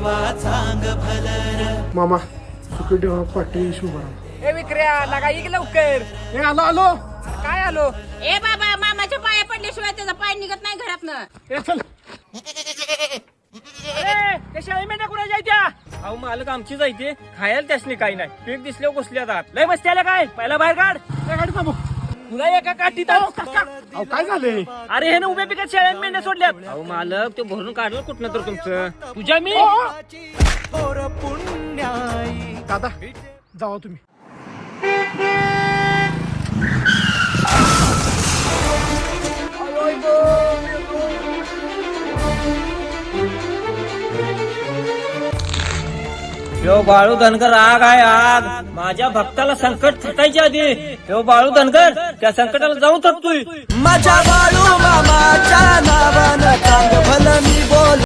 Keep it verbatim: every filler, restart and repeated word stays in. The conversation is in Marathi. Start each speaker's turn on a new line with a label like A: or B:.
A: ठेवा चांग भलर
B: मामा सुखदेव पाटील शुभाराम
C: ए विक्रिया लागा इक लवकर.
B: ए आलो आलो
C: काय आलो?
D: ए बाबा मामाच्या पाया पडल्याशिवाय त्याचा पाय निघत नाही घरातनं.
B: ए चल
C: ए ते शाळी मेंढ्या कुणा जायत्या? अहो मालक आमची जायते खायला त्यासनी काही नाही. पीक दिसल्यावर घुसल्या जात लय मस्ती आल्या काय. पहिला बाहेर काढ.
B: ए गाडी थांबव.
C: तुला एका काठीत आहो.
B: अहो काय झालंय?
C: अरे हे ना उभ्या पिकात शेळ्या मेंढ्या सोडल्यात. अहो मालक ते भरून काढलं कुठनं तर तुमचं. तुझ्या मी
A: थोर पुण्याई
B: दादा जावा तुम्ही.
C: यो बाळू धनगर आग आहे आग. माझ्या भक्ताला संकट थटायच्या आधी यो बाळू धनगर त्या संकटाला जाऊन थकतोय.
A: माझ्या बाळू मामाच्या नावानं चांग भलं मी बोल